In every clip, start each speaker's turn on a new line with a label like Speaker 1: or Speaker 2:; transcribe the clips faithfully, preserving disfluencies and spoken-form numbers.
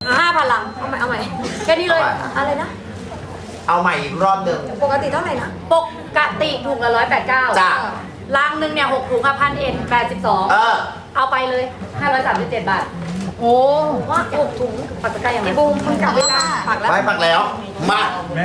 Speaker 1: ห้าพันลังเอาใหม่เอาใหม่แค่นี้เลยอะไรนะ
Speaker 2: เอาใหม่อีกรอบหนึ่ง
Speaker 1: ปกติเท่าไหร่นะปกติถุงละร้อยแปดเก้า
Speaker 2: จ้า
Speaker 1: ลังหนึ่งเนี่ยหกถุงค่ะพันเอ็ดแปดสิบสอง
Speaker 2: เออ
Speaker 1: เอาไปเลยห้าร้อยสามสิบเจ็ดบาทโอ้ว่าหกถุงปักตะไคร้ยังไงบูมมึงกลับไปจ้าปักแล้ว
Speaker 2: ไม่ปักแล้วมา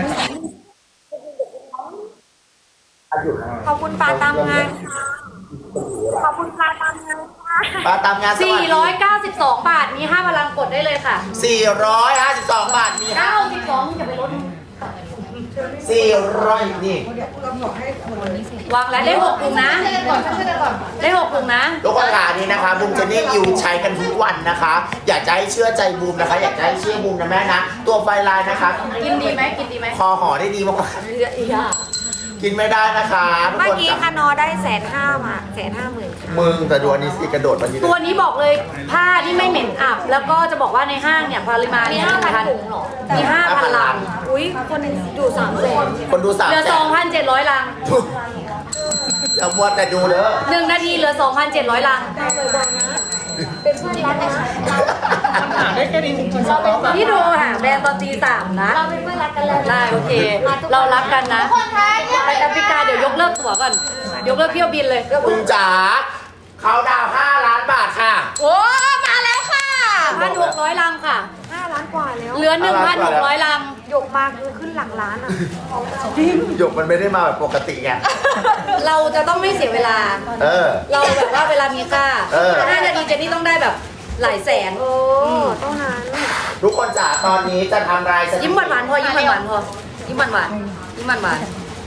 Speaker 1: ขอบคุณปลาตามงานขอบคุณปลาตามงาน
Speaker 2: ปลาตามงาน
Speaker 1: สี่ร้อยเก้าสิบสองบาทมีห้าพลังกดได้เลยค่ะ
Speaker 2: สี่ร้อยห้าสิบสองบาทมี
Speaker 1: เก้าสิบสองมึงอย่าไปลด
Speaker 2: สี่ร้อยนี่
Speaker 1: วางแล้วได้หกถุงนะได้หกถุงนะ
Speaker 2: ทุกคนค่ะนี่นะคะบูมจะนี่อยู่ใช้กันทุกวันนะคะ อยากจะให้เชื่อใจบูมนะคะ อยากจะให้เชื่อบูมนะแม่นะตัวไฟลายนะคะ
Speaker 1: กินดีไหมกินดีไหม
Speaker 2: คอห่อได้ดีมากกินไม่ได้นะคะทุกคน
Speaker 1: เมื่อกี้คานอได้แสนห้ามาแสนห้าหมื่น
Speaker 2: มึงแต่ดูอันนี้สิกระโดดมัน
Speaker 1: ตัวนี้บอกเลยผ้าที่ไม่เหม็นอับแล้วก็จะบอกว่าในห้างเนี่ยปริมาณมีห้าพันถุงหรอมีห้าพันลังอุ้ยคนดูสามแสน
Speaker 2: คนดูสาม
Speaker 1: เหลือสองพันเจ็ดร้อยลัง
Speaker 2: อย่ามัวแต่ดูเด้อ
Speaker 1: หนึ่งนาทีเหลือสองพันเจ็ดร้อยลังเป็นเพื่อนรักกันหาได้แค่นี้จริงๆพี่ดูหาแบรนด์ตอนตีสามนะเราเป็นเพื่อนรักกันแล้วได้โอเคเรารักกันนะไปแอฟริกาเดี๋ยวยกเลิกตั๋วก่อนยกเลิกเที่ยวบินเลย
Speaker 2: คุณจ๋าเขาดาวห้าล้านบาทค่ะ
Speaker 1: โอ้มาแล้วค่ะพันหกร้อยลังค่ะห้าล้านกว่าแล้วเหลือหนึ่งพันหกร้อยลังหยกมาคือขึ้นหลักล้านอ่ะ
Speaker 2: จริงหยกมันไม่ได้มาแบบปกติไง
Speaker 1: เราจะต้องไม่เสียเวลา
Speaker 2: เออ
Speaker 1: เราแบบว่าเวลามีค่าห้านาทีเจนนี่ต้องได้แบบหลายแสนโอ้ต้องนั้น
Speaker 2: ทุกคนจ๋าตอนนี้จะทำราย
Speaker 1: ยิ้มหวานหวานพอยิ้มหวานหวานพอยิ้มหวานหวานยิ้มหวานหวาน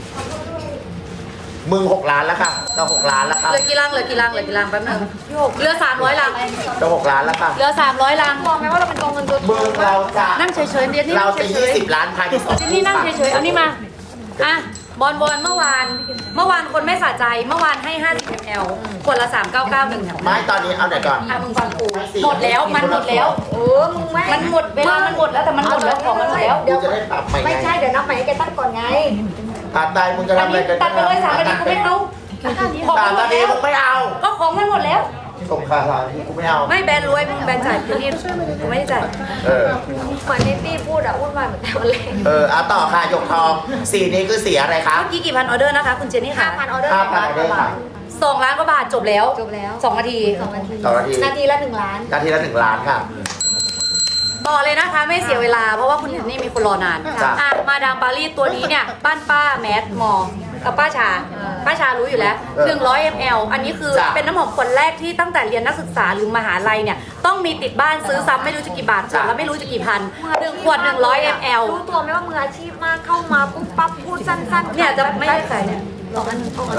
Speaker 2: มึงหกล้านแล้วค่ะจะหกล้านแล้วค่ะ
Speaker 1: เหลือกี่ลังเหลือกี่ลังเหลือกี่ลังแป๊บนึงเหลือสามร้อยลัง
Speaker 2: จะหกล้านแล้วค่ะ
Speaker 1: เหลือสามร้อยลังบอกไหมว่าเราเป็นกองเงินตัว
Speaker 2: มึงเราจะ
Speaker 1: นั่งเฉยๆเดี๋ยวนี่
Speaker 2: เราจะยี่สิบล้านภายในสอง
Speaker 1: เดี๋ยวนี่นั่งเฉยๆเอานี่มาอ่ะบอลบอลเมื่อวานเมื่อวานคนไม่สะใจเมื่อวานให้ห้าสิบมิลลิลิตรขวดละสามเก้าเก้าหนึ่ง
Speaker 2: ไม่ตอนนี้เอาไหนก่อน
Speaker 1: อ่ะมึงฟังกูหมดแล้วมันหมดแล้วเออมึงไม่มันหมดเวลามันหมดแล้วแต่มันหมดแล้วของมันหมดแล้ว
Speaker 2: เดี๋ยวจะได้ปรับใหม่
Speaker 1: ไม่ใช่เดี๋ยวนับใหม่ให้แกตั้งก่อนไง
Speaker 2: ตัดได้มึงจะทำอะไรกัน
Speaker 1: ตัดไปเลยสามนาทีกูไม่เอา
Speaker 2: สามนาทีมึงไม่เอา
Speaker 1: ก็ของมันหมดแล้ว
Speaker 2: ส่งค่าสามนาทีกูไม่เอา
Speaker 1: ไม่แบนรวยมึงแบนจ่ายพี่นี่กูไม่ได้จ่าย
Speaker 2: เออ
Speaker 1: เหมือนนิตี้พูดอะพูดมาเหมือนแต่วันแรก
Speaker 2: เออเอาต่อค่ะหยกทองสีนี้คือสีอะไรคะ
Speaker 1: เมื่อกี้กี่พันออเดอร์นะคะคุณเจนนี่ค่ะ
Speaker 2: ห้าพันออเดอร์ห้าพันออเดอร์ค่ะ
Speaker 1: สองล้านกว่าบาทจบแล้วจบแล้วสองนาทีสองนาที
Speaker 2: สองนาที
Speaker 1: นาทีละหนึ่งล้าน
Speaker 2: นาทีละหนึ่งล้านค่ะ
Speaker 1: บอกเลยนะคะไม่เสียเวลาเพราะว่าคุณเจนนี่มีคนรอนานอ่ะมาดามปารีสตัวนี้เนี่ยบ้านป้าแมสมอกับป้าชาป้าชารู้อยู่แล้วหนึ่งร้อยมิลลิลิตร อันนี้คือเป็นน้ำหอมคนแรกที่ตั้งแต่เรียนนักศึกษาหรือมหาลัยเนี่ยต้องมีติดบ้านซื้อซ้ำไม่รู้จะกี่บาทแล้วไม่รู้จะกี่พันหนึ่งขวดหนึ่งร้อยมิลลิลิตรรู้ตัวไหมว่ามืออาชีพมากเข้ามาปุ๊บปั๊บพูดสั้นๆเนี่ยจะไม่ได้ขายเนี่ยลองอัน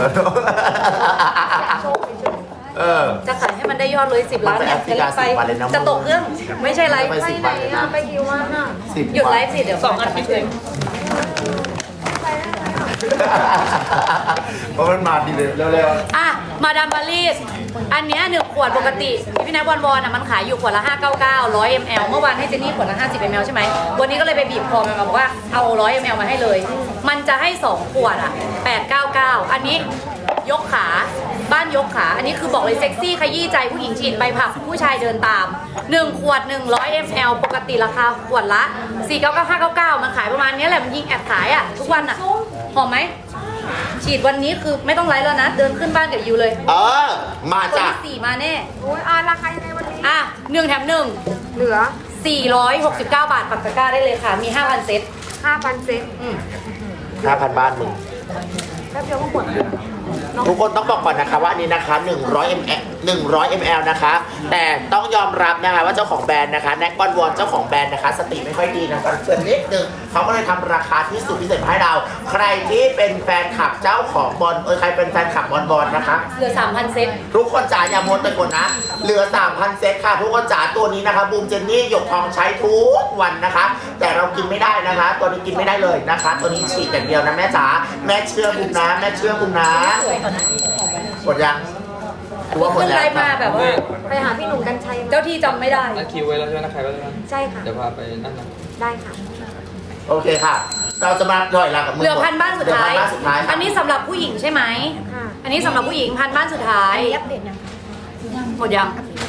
Speaker 1: เออจะขายให้มันได้ยอดเลยสิบล้านเนี่ยจะรีบไปจะตกเครื่องไม่ใช่ไลฟ์ไปไหนอะไปกี่วันอะหยุดไลฟ์สิเดี๋ยวสองอันไม่ถึง
Speaker 2: เพราะมันมาดีเลยเร็ว
Speaker 1: ๆอ่ะมาดามปารีสอันเนี้ยหนึ่งขวดปกติพี่นายบอลบอลอ่ะมันขายอยู่ขวดละห้าเก้าเก้าร้อยมิลลิลิตรเมื่อวานให้เจนนี่ขวดละห้าสิบมิลลิลิตรใช่ไหมวันนี้ก็เลยไปบีบคอมันมาบอกว่าเอาร้อยมิลลิลิตรมาให้เลยมันจะให้สองขวดอ่ะแปดเก้าเก้าอันนี้ยกขาบ้านยกขาอันนี้คือบอกเลยเซ็กซี่ขยี้ใจผู้หญิงฉีดไปผับผู้ชายเดินตามหนึ่งขวดหนึ่งร้อยมิลลิลิตรปกติราคาขวดละสี่เก้าเก้าห้าเก้าเก้ามันขายประมาณนี้แหละมันยิงแอบขายอ่ะทุกวันอ่ะหอมไหมฉีดวันนี้คือไม่ต้องไลฟ์แล้วนะเดินขึ้นบ้านกับยูเลย
Speaker 2: เออมาจ้ะ
Speaker 1: สี่มาแน่โอ้ยอ่าราคายังไงวันนี้อ่ะหนึ่งแถมหนึ่งเหลือสี่ร้อยหกสิบเก้าบาทปักตะกร้าได้เลยค่ะมีห้าพันเซตห้าพันเซตอืม
Speaker 2: ห้าพันบ้านมึง
Speaker 1: แป๊บเดียวก็หมด
Speaker 2: ทุกคนต้องบอกก่อนนะคะว่านี้นะคะหนึ่งร้อยมิลลิลิตร หนึ่งร้อยมิลลิลิตร นะคะแต่ต้องยอมรับนะคะว่าเจ้าของแบรนด์นะคะแน็กบอลวอนเจ้าของแบรนด์นะคะสติไม่ค่อยดีนะคะเกินนิดนึงเขาก็เลยทำราคาที่สุดพิเศษมาให้เราใครที่เป็นแฟนคลับเจ้าของบอลเออใครเป็นแฟนคลับบอลบอลนะคะ
Speaker 1: เหลือ สามพัน เซต
Speaker 2: ทุกคนจ๋าอย่าโมดแต่กดนะเหลือ สามพัน เซตค่ะทุกคนจ๋าตัวนี้นะคะบูมเจนนี่หยกทองใช้ทุกวันนะคะแต่เรากินไม่ได้นะคะตัวนี้กินไม่ได้เลยนะคะตัวนี้ฉีดอย่างเดียวนะแม่จ๋าแม่เชื่อบูมนะแม่เชื่อบูมนะกดยัง
Speaker 1: ตัวคนไลน์มาแบบว่าไปหาพี่หนุ่มกัญชัยเจ้าที่จำไม่ได้
Speaker 3: นัดคิวไว้แล้วใช่ไหมนัดใครไว้แล้ว
Speaker 1: ใช่ค่ะ
Speaker 3: เดี๋ยวพาไปนั่นนะ
Speaker 1: ได้ค่ะ
Speaker 2: โอเคค่ะเราจะมาถอยหลังกับมือ
Speaker 1: เหลือพันบ้านสุดท้ายอันนี้สำหรับผู้หญิงใช่ไหมอันนี้สำหรับผู้หญิงพันบ้านสุดท้ายอัปเดตยังหมดยัง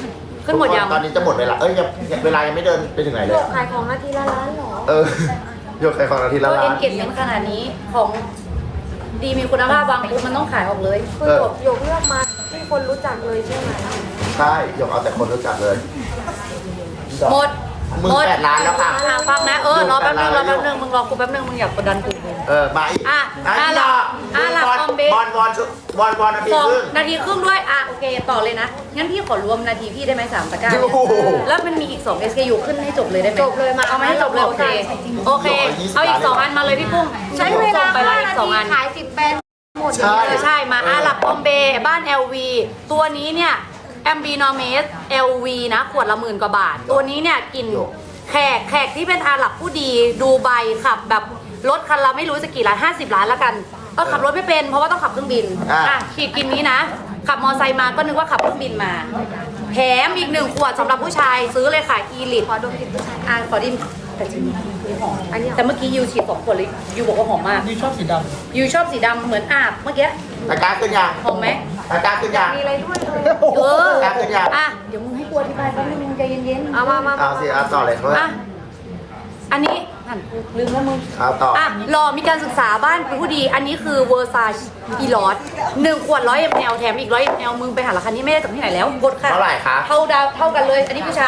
Speaker 1: ขึ้นหมดยัง
Speaker 2: ตอนนี้จะหมดเวลาเอ้ยยังยังเวลายังไม่เดินไปถึงไหนเลย
Speaker 4: ขายของนาทีละล้านเหรอ
Speaker 2: เออโยกใครของนาทีละ
Speaker 1: ตัว
Speaker 2: ล้า
Speaker 1: เอ็
Speaker 2: น
Speaker 1: นเกจเมนต์ขนาดนี้ของดีมีคุณภาพวางปุ๊บมันต้องขายออกเลย
Speaker 4: คือหยกหยกเลือกมาที่คนรู้จักเลยใช่ไหม
Speaker 2: ใช่โยกเอาแต่คนรู้จักเลย
Speaker 1: หมด
Speaker 2: มึง
Speaker 1: หมด
Speaker 2: แปดล้านแล้วค่ะ
Speaker 1: อ่ะฟังนะเออรอแป๊บนึงรอแป๊บนึง
Speaker 2: อยู่
Speaker 1: มึงรอกูแป๊บนึงมึงอย่ากดดันกู
Speaker 2: เออมาอีก
Speaker 1: อ่ะ
Speaker 2: อ่ะ
Speaker 1: อ่ะ
Speaker 2: ต่อ
Speaker 1: อ่ะหลัก
Speaker 2: บอล
Speaker 1: คอมเบส
Speaker 2: บอลบอลชุบอลบอลนาที
Speaker 1: สอง
Speaker 2: ครึ่ง
Speaker 1: นาทีครึ่งด้วยอ่ะโอเคต่อเลยนะงั้นพี่ขอรวมนาทีพี่ได้ไหมสามตะกร้า
Speaker 2: โอ้โห
Speaker 1: แล้วมันมีอีกสอง เอส เค ยู ขึ้นให้จบเลยได้ไหม
Speaker 4: จบเลยมา
Speaker 1: เอามาให้จบเลยโอเคโอเค เอาอีกสองอันมาเลยพี่กุ้ง
Speaker 4: ใช้เวลา
Speaker 1: ส่งไปแล้ว
Speaker 4: ห้า
Speaker 1: อี
Speaker 4: นาก
Speaker 1: สอง
Speaker 4: ที
Speaker 1: อัน
Speaker 4: ขายสิบแบรนด์หมด
Speaker 2: ใช่
Speaker 1: เออใช่มาอาหลับบอมเบย์บ้าน แอล วี ตัวนี้เนี่ยแอมบีนอเมส แอล วี นะ ขวดละหมื่นกว่าบาท ตัวนี้เนี่ยกลิ่นแขกแขกที่เป็นอาหรับผู้ดีดูไบขับแบบรถคันละไม่รู้จะกี่ล้านห้าสิบล้านแล้วกันเออขับรถไม่เป็นเพราะว่าต้องขับเครื่องบิน
Speaker 2: อ่ะ
Speaker 1: อ่ะขีดกลินนี้นะ ขับมอไซค์มาก็นึกว่าขับเครื่องบินมาแถมอีกหนึ่งขวดสำหรับผู้ชายซื้อเลยค่ะอีลิท
Speaker 4: ขอดมกลิ่นผู้ชาย
Speaker 1: อ่ะขอดินแต่จริงๆหอม
Speaker 4: อันนี้หอม
Speaker 1: แต่เมื่อกี้ยูฉีดสองขวดเลยยูบอกว่าหอมมาก
Speaker 3: นี่ชอบสีด
Speaker 1: ยูชอบสีดำเหมือนอาบเมื่อกี้
Speaker 2: ตะกร้าขึ้นยัง
Speaker 1: หอมไหม
Speaker 2: ตะกร้าขึ้นยัง
Speaker 4: มีอะไรด้วยเลย
Speaker 1: เออ
Speaker 2: ตะกร้าขึ้นยัง
Speaker 1: อ่ะ เดี๋ยวมึงให้กูอธิบายแป๊บนึงมึงใจเย็นๆ
Speaker 4: เอามามา
Speaker 2: เอาสิเอาต่อเลยเพื่อน
Speaker 1: อ่ะ อันนี้หันกูลืมแล้วมึง
Speaker 2: เอาต่ออ
Speaker 1: อ่ะรอมีการศึกษาบ้านเป็นผู้ดี อันนี้คือเวอร์ซาชอีลอสหนึ่งขวดร้อยมลแถมอีกร้อยมลมึงไปหาราคานี้ไม่ได้จากที่ไหนแล้วกดค่ะ
Speaker 2: เท่าไหร่คะ
Speaker 1: เท่าดาวเท่ากันเลย อันนี้ผู้ชาย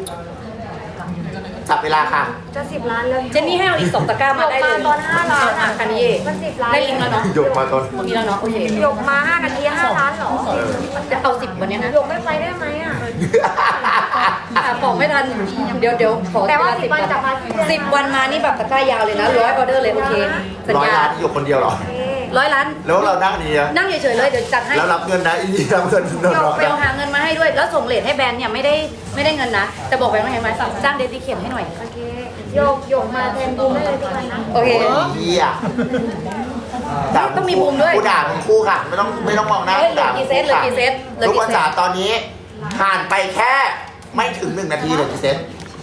Speaker 2: จับเวลาค่ะ
Speaker 4: จะสิบล้านแล้ว
Speaker 1: เจนนี่ให้เอาอีกสองตะกร้ามาได้เลย
Speaker 4: หยกมาตอนห้าล้าน
Speaker 1: อ่ะกันนี้
Speaker 4: มันสิบล้าน
Speaker 1: ได้ลิงก์แล้วเนาะ
Speaker 2: หยกมาตอน
Speaker 1: มีแล้วเนาะโอเค
Speaker 4: หยกมาห้านาทีห้าล้านเหรอ
Speaker 1: จะเอาสิบวันเนี้ยนะ
Speaker 4: หยกไม่ไปได้ไหมอ่ะ
Speaker 1: อ่ะบอกไม่ทัน เดี๋ยวเดี๋ยวขอ
Speaker 4: แต่ว่า
Speaker 1: เล
Speaker 4: สิบวันจะมาที่เดือน
Speaker 1: สิบวันมานี่แบบตะกร้ายาวเลยนะร้อยออเดอร์เลยโอเคสัญ
Speaker 2: ร้อย
Speaker 1: ญา
Speaker 2: ล้านที่หยกคนเดียวเหรอ
Speaker 4: โอเค
Speaker 1: ร้อยล้าน
Speaker 2: แล้วเรานั่งนี่อะ
Speaker 1: นั่งเฉยๆเลยเดี๋ยวจัดให้
Speaker 2: แล้วรับเงินนะอีนี่รับเงินโดนหลอก
Speaker 1: ไปเอาหาเงินมาให้ด้วย แล้วส่งเลทให้แบรนด์เนี่ยไม่ได้ไม่ได้เงินนะ แต่บอกแบรนด์ว่าไงไหมจ้างเดซิเคนให้หน่อย
Speaker 4: โอเคหยกหยกมาแทนบูมได้เลยทุกวันนะ
Speaker 1: โอเค
Speaker 2: โอ้ยเหี้ยด่า
Speaker 1: ต้องมีมุมด้วย
Speaker 2: กูด่ามึงคู่ค่ะ ไม่ต้องไม่ต้องมองหน้า
Speaker 1: เฮ้ย
Speaker 2: กูด่า
Speaker 1: เหลือกี่เซตเหลือกี่เซตเหลือกี่เซต
Speaker 2: ทุกคนจ๋าตอนนี้ผ่านไปแค่ไม่ถึงหนึ่งนาทีเลยกี่เซต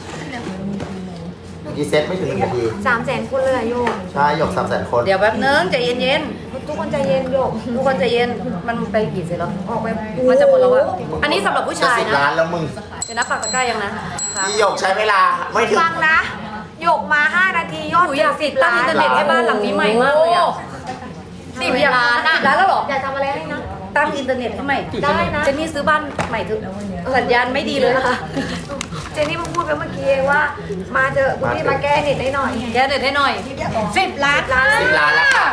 Speaker 2: กี่เซตไม่ถึงหนึ่งนาที
Speaker 4: สามแสนคนเลยอะโยก
Speaker 2: ใช่หยกสามแสนคน
Speaker 1: เดี๋ยวแป๊บนึงใจเย็น
Speaker 4: ทุกคนใจเย็นโยก
Speaker 1: ๆทุกคนใจเย็น มันไปกี่เซตแล้ว
Speaker 4: ออกไป
Speaker 1: มันจะหมดแล้วอะอันนี้สำหรับผู้ชาย
Speaker 2: จะสิบ
Speaker 1: นะ
Speaker 2: ล้านแล้วมึง
Speaker 1: เดี๋ยวนับปากตะกร้ายังนะ
Speaker 2: พี่หยกใช้เวลาไม่ถึง
Speaker 4: ฟังนะหยกมาห้านาทียอด
Speaker 1: หนูอยาก
Speaker 4: สิ
Speaker 1: ติ
Speaker 4: บ
Speaker 1: ดตั้ง
Speaker 4: ล้า
Speaker 1: อิน
Speaker 4: น
Speaker 1: เทอร์เน็ตให้บ้านหลังนี้ใหม่มากเลยอะสิบล้านสิบล้านแล้วเหรอ
Speaker 4: อยากทำอะไรให้นะ
Speaker 1: ตั้งอินเทอร์เน็ตให้ใหม่
Speaker 4: ได้นะ
Speaker 1: เจนนี่ซื้อบ้านใหม่ถึงสัญญาณไม่ดีเลยนะคะ
Speaker 4: เจนนี่เพิ่งพูดไปเมื่อกี้เองว่า มาเจอะคุณพี่มาแก้เน็ตให้หน่อย
Speaker 1: แกเน็ตให้หน่อยสิบล้าน
Speaker 4: ล้าน
Speaker 2: สิบล้านแล้วค่ะ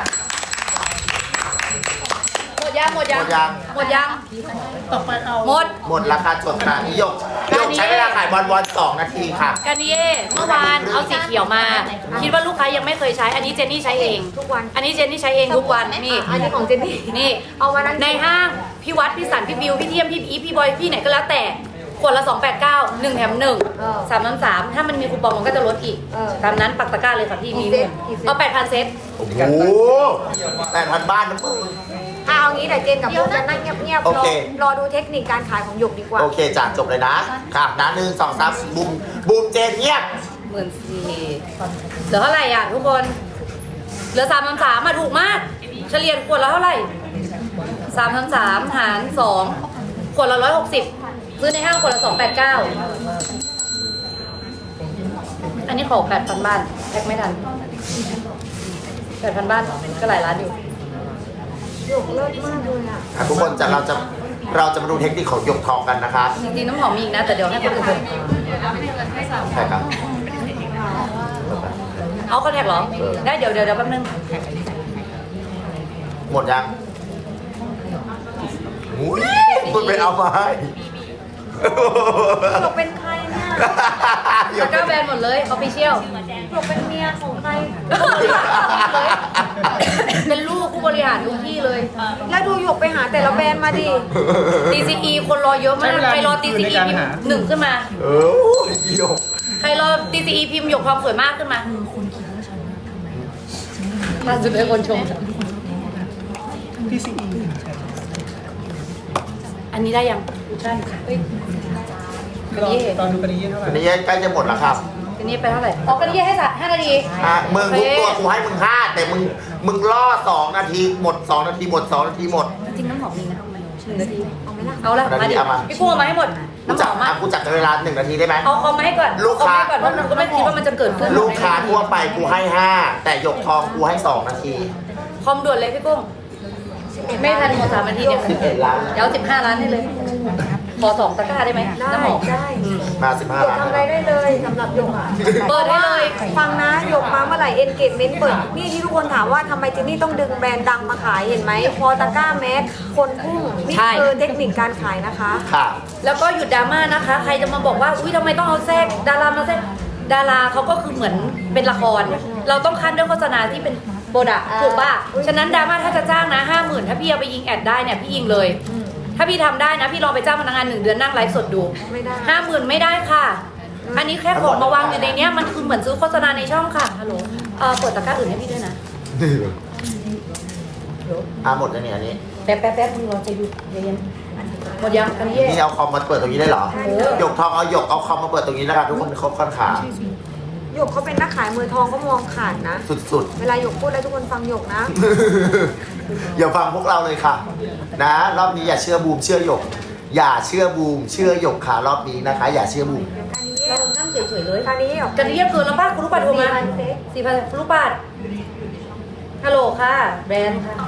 Speaker 1: หมดยังหมดยัง
Speaker 2: หมดยัง
Speaker 1: หมดยังหมด
Speaker 2: หมดราคาจบค่ะพี่หยกหยกใช้เวลาขายบอลบอลสองนาทีค่ะ
Speaker 1: กันเย่เมื่อวานเอาสีเขียวมา คิดว่าลูกค้ายังไม่เคยใช้ อันนี้เจนนี่ใช้เอง
Speaker 4: ทุกวัน
Speaker 1: อันนี้เจนนี่ใช้เองทุกวันนี่
Speaker 4: อันนี้ของเจนนี่
Speaker 1: นี่
Speaker 4: เอามานั่ง
Speaker 1: ในห้างพี่วัดพี่สันพี่บิวพี่เทียมพี่อีฟพี่บอยพี่ไหนก็แล้วแต่ขวดละสองแปดเก้าหนึ่งแถมหนึ่งสามน้ำสามถ้ามันมีคูปองมันก็จะลดอีกตามนั้นปักตะกร้าเลยค่ะพี่มีหมดเอาแปดพันเซต
Speaker 2: โอ้โหแปดพันบ้านนะมึง
Speaker 4: อ่ะเอางี้เดี๋ยวเจนกับบูมจะนั่งเงียบๆ
Speaker 2: โอ
Speaker 4: รอ
Speaker 2: เค
Speaker 4: รอดูเทคนิคการขายของหยกดีกว่า
Speaker 2: โอเคจ้ะจบเลยนะค่ะนะหนึ่งสองสามบูมบูมเจนเงียบ
Speaker 1: หมื่นสี่เหลือเท่าไหร่อ่ะทุกคน เหลือสามพันสามมาถูกมาก เฉลี่ยขวดละเท่าไหร่สามพันสามหารสองขวดละร้อยหกสิบซื้อในห้างขวดละสองแปดเก้าอันนี้ขอแปดพันบ้านแพ็คไม่ทันแปดพันบ้านก็หลายล้านอยู่
Speaker 4: หยกเลิศมากเลยอ่ะ
Speaker 2: อ่ะทุกคนจะเราจะเราจะมาดูเทคนิคของหยกทองกันนะคะ
Speaker 1: จริงๆน้ำหอมมีอีกนะ แต่เดี๋ยวให้คนอื่นดู
Speaker 2: ใช่ครับ
Speaker 1: เอาคอนแทคเหรอ ได้เดี๋ยวเดี๋ยวเดี๋ยวแป๊บนึง
Speaker 2: หมดยังอุ้ยคุณไปเอามาให้
Speaker 4: หยกเป็นใครเนี่ย
Speaker 2: หย
Speaker 1: ตะ
Speaker 2: ก
Speaker 1: กร้าแบรนด์หมดเลยออฟฟิเชียล
Speaker 4: หยกเป็นเมียของใคร
Speaker 1: เป็นลูกผู้บริหารทุกที่เลย
Speaker 4: แล้วดูหยกไปหาแต่ละแบรนด์มาดิ
Speaker 1: ที ซี อี คนรอเยอะมาก ใครรอ ที ซี อี พิมพ์หนึ่งขึ้นมา
Speaker 2: เออหยก
Speaker 1: ใครรอ ที ซี อี พิมพ์หยกความสวยมากขึ้นมาล่าสุดเลยคนชม
Speaker 3: ที่ซีอี
Speaker 1: อันนี้ได้ยังใช่เฮ้ยกันนี้
Speaker 3: ตอนดูกันนี้เท่าไหร่
Speaker 2: อันนี้ใกล้จะหมดแล้วครับ
Speaker 1: กันนี้ไปเท่าไหร่อ๋อกันนี้ให้สัตว์ห้านาที
Speaker 2: อ่ะมึง
Speaker 1: โอ
Speaker 2: ทุก
Speaker 1: เค
Speaker 2: ตัวกูให้มึงห้าแต่มึงมึงล่อสองนาทีหมดสองนาทีหมดสองนาทีหมด
Speaker 1: จริงๆน้ำหอมมีนะหนึ่งนาที
Speaker 4: เอาไหมล่ะ
Speaker 1: เอาละ
Speaker 2: เอา
Speaker 1: มาดิ
Speaker 2: เอามา
Speaker 1: พี่กุ้งเอามาให้หมด
Speaker 2: กู
Speaker 1: น้ำห
Speaker 2: จั
Speaker 1: อบ ม
Speaker 2: อ่ะ
Speaker 1: อ่ะ
Speaker 2: กูจับเวลาหนึ่งนาทีได้ไหม
Speaker 1: เอาคอมมาให้ก่อน
Speaker 2: ลูกค้า
Speaker 1: เอมให้ก่อนเพราะหนูก็ไม่คิดว่ามันจะเกิดขึ้น
Speaker 2: ลูกค้าทั่วไปกูให้ห้าแต่หยกทองกูให้สองนาที
Speaker 1: คอมด่วนเลยพี่กุ้งไม่ทันหมดสามนาทีเนี่ย
Speaker 2: สิบเอ็ดล้าน
Speaker 1: เดี๋ยวสิบห้าล้านให้เลย ขอสองตะกร้าได้ไหม
Speaker 4: ได้
Speaker 1: น้ำหอม
Speaker 4: ได้
Speaker 2: มาสิบห้า
Speaker 4: หยก
Speaker 2: ล้าน
Speaker 4: ทำอะไรได้เลยสำหรับหยกอ่ะ
Speaker 1: เปิดให้เลย
Speaker 4: ฟังนะหยกมาเมื่อไหร่ engagement เปิดนี่ที่ทุกคนถามว่าทำไมเจนนี่ต้องดึงแบรนด์ดังมาขายเห็นไหมพอตะกร้าแมสคนพุ่งนี่คือเทคนิคการขายนะคะ
Speaker 2: ค่ะ
Speaker 1: แล้วก็หยุดดราม่านะคะ ใครจะมาบอกว่า อุ้ยทำไมต้องเอาแทรกดารามาแทรกดาราเขาก็คือเหมือนเป็นละคร เราต้องคัดด้วยโฆษณาที่เป็นโปรดักต์ถูกป่ะ ฉะนั้นดราม่าถ้าจะจ้างนะห้าหมื่นถ้าพี่เอาไปยิงแอดได้เนี่ยพี่ยิงเลย ถ้าพี่ทำได้นะพี่ลองไปจ้างพนักงานหนึ่งเดือนนั่งไลฟ์สดดู
Speaker 4: ไม่ได้
Speaker 1: ห้าหมื่นไม่ได้ค่ะ อันนี้แค่ของมาวางอยู่ในเนี้ยมันคือเหมือนซื้อโฆษณาในช่องค่ะฮัลโหลเออเปิดตะกร้าอื่นให้พี่ด้วยนะ
Speaker 2: อ่ะหมดแล้วเนี่ยอันนี้
Speaker 1: แป๊บแป๊บแป๊บมึงรอใจดูเย็นๆหมดยังอันนี้เย่
Speaker 2: นี่เอาคอมมาเปิดตรงนี้ได้เหรอ
Speaker 1: เออ
Speaker 2: หยกทองเอาหยกเอาคอมมาเปิดตรงนี้แล้วกันทุกคนครบค่อนขา
Speaker 4: หยกเขาเป็นนักขายมือทองก็มองขาดนะ
Speaker 2: สุด
Speaker 4: เวลาหยกพูดอะไรทุกคนฟังหยกนะ
Speaker 2: ๆ อย่าฟังพวกเราเลยค่ะ นะรอบนี้อย่าเชื่อบูมเชื่อหยก อย่าเชื่อบูมเชื่อหยกค่ะรอบนี้นะคะ อย่าเชื่อบูม
Speaker 1: เรานั่งเฉยๆเลย
Speaker 4: คราวนี้หยก
Speaker 1: กันเรียบเกินแล้วป้าคุณลูกปัดโทรมา
Speaker 4: สี่พันเซ็ก
Speaker 1: สี่พันคุณลูกปัดฮัลโหลค่ะแบรนด์ค่ะ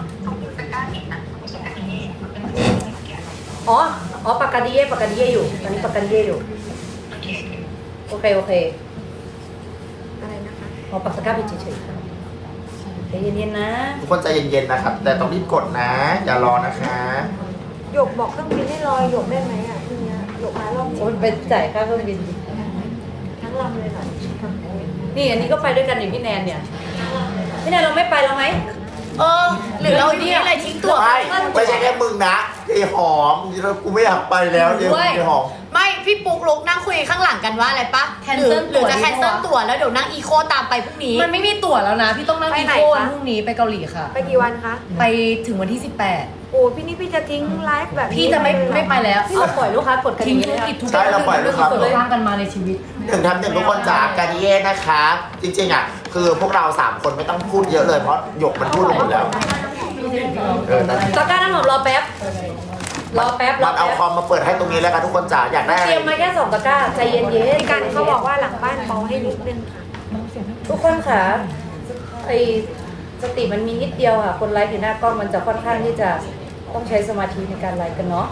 Speaker 1: อ๋ออ๋อปากกาดิเย่ปากกาดิเย่อยู่ตอนนี้ปากกาดิเย่อยู่โอเคโอเค
Speaker 4: อะไรนะคะ
Speaker 1: ขอปากตะกร้าไปเฉยๆค่ะใจเย็นๆนะ
Speaker 2: ทุกคนใจเย็นๆนะครับ แต่ต้องรีบกดนะ อย่ารอนะคะ
Speaker 4: หยกบอกเครื่องบินให้ลอยหยกได้ไหมอ่ะทีเนี้ยหยกมารอบนี้
Speaker 1: โอ้ยไปจ่ายค่าเครื่องบิน
Speaker 4: ทั้งลำเลยเหรอ
Speaker 1: นี่อันนี้ก็ไปด้วยกันนี่พี่แนนเนี่ยพี่แนนเราไม่ไปแล้วไหม
Speaker 5: เออ หรือเราอยู่นี่อะไรทิ้งตัว
Speaker 2: ไม่ไม่ใช่แค่มึงนะไอ้หอมกูไม่อยากไปแล้วเดี๋ยว
Speaker 5: ด้วย
Speaker 2: ไอ้หอม
Speaker 5: ไม่พี่ปุ๊กลุกนั่งคุยข้างหลังกันว่าอะไรปะ
Speaker 1: Cancel
Speaker 5: หรือหรือจะ
Speaker 1: ตั๋ว
Speaker 5: แคนเซิลตั๋วแล้วเดี๋ยวนั่งอีโคตามไปพรุ่งนี้
Speaker 6: มันไม่มีตั๋วแล้วนะ พี่ต้องนั่งอีโก้วันพรุ่งนี้ไปเกาหลีค่ะ
Speaker 4: ไปกี่วันคะ
Speaker 6: ไปถึงวันที่สิบแปด
Speaker 4: โอ้พี่นี่พี่จะทิ้งไลฟ์แบบนี้
Speaker 6: พี่จะไม่
Speaker 4: เลยเหรอ
Speaker 6: ไม่ไปแล้ว
Speaker 1: ที่เราปล่อยลูกค้ากดกันอ
Speaker 6: ทิ้ง
Speaker 1: ย่างนี้
Speaker 6: ธุ
Speaker 1: เลยอะ
Speaker 6: รกิจทุก
Speaker 2: ใช่เราปล่อยลูกค้า
Speaker 6: เราสร้างกันมาในชีวิต
Speaker 2: หนึ่งทำหนึ่งทุกคนจากการเย่นะคะ จริงๆอ่ะ คือพวกเราสามคนไม่ต้องพูดเยอะเลยเพราะหยกมันพูดหมดแล้ว เออแต่
Speaker 1: ตะกร้าน้ำหอมรอแป๊บ รอแป๊บร
Speaker 2: มั
Speaker 1: อน
Speaker 2: เอา
Speaker 1: แป๊บ
Speaker 2: คอมมาเปิดให้ตรงนี้แล้วกันทุกคนจ๋าอยากได้อะ
Speaker 1: เต
Speaker 2: ไร
Speaker 1: รียมมาแค่สองตะกร้าใจเย็นๆ
Speaker 4: พี่กันเขาบอกว่าหลังบ้านเบาให้นิดนึงค่ะ
Speaker 1: ทุกคนค่ะไอสติมันมีนิดเดียวค่ะ คนไลฟ์อยู่หน้ากล้องมันจะค่อนข้างที่จะต้องใช้สมาธิในการไลฟ์กันเนาะ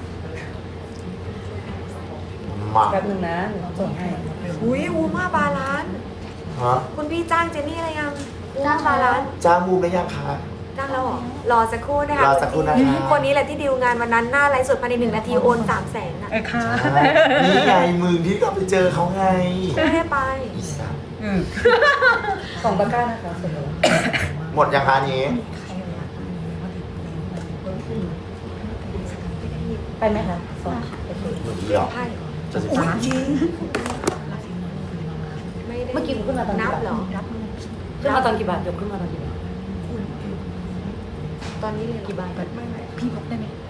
Speaker 2: มา
Speaker 1: แป๊บนึงนะหนูส่งให้
Speaker 4: อุ้ยอูมาบาลานซ์
Speaker 2: ฮะ
Speaker 4: คุณพี่จ้างเจนนี่อะไรยังอูมาบาลานซ์
Speaker 2: จ้างบูมได้ยังคะ
Speaker 4: จ้างแล้วเหรอรอสักครู่นะคะ
Speaker 2: รอสักครู่นะคะ
Speaker 4: คนนี้แหละที่ดีลงานวันนั้นหน้าไลฟ์สดภายในหนึ่งนาทีโอนสามแสนอ่ะ
Speaker 3: ไอ้ค่ะ
Speaker 2: นี่ไงมึงที่ก็ไปเจอเขาไง
Speaker 4: ไม่ได้ไป
Speaker 2: อีสัตว์
Speaker 1: สองตะกร้านะคะส่งเลย
Speaker 2: หมดยังคะอันนี้
Speaker 1: ไปไหมคะสองโอเค
Speaker 2: หมดเดียว
Speaker 4: ใช่
Speaker 2: จะสิบสาม
Speaker 4: ไม่ได้
Speaker 1: เมื่อกี้คุณขึ้นมาตอน
Speaker 4: นั
Speaker 1: กี่
Speaker 4: บ
Speaker 1: บาท
Speaker 4: เหรอ
Speaker 1: ขึ้นมาตอนกี่บาทยกขึ้นมาตอนกี่บาท
Speaker 4: ตอนนี้เลยเหรอ
Speaker 1: กี่บาท
Speaker 6: พี่บอกได้ไหม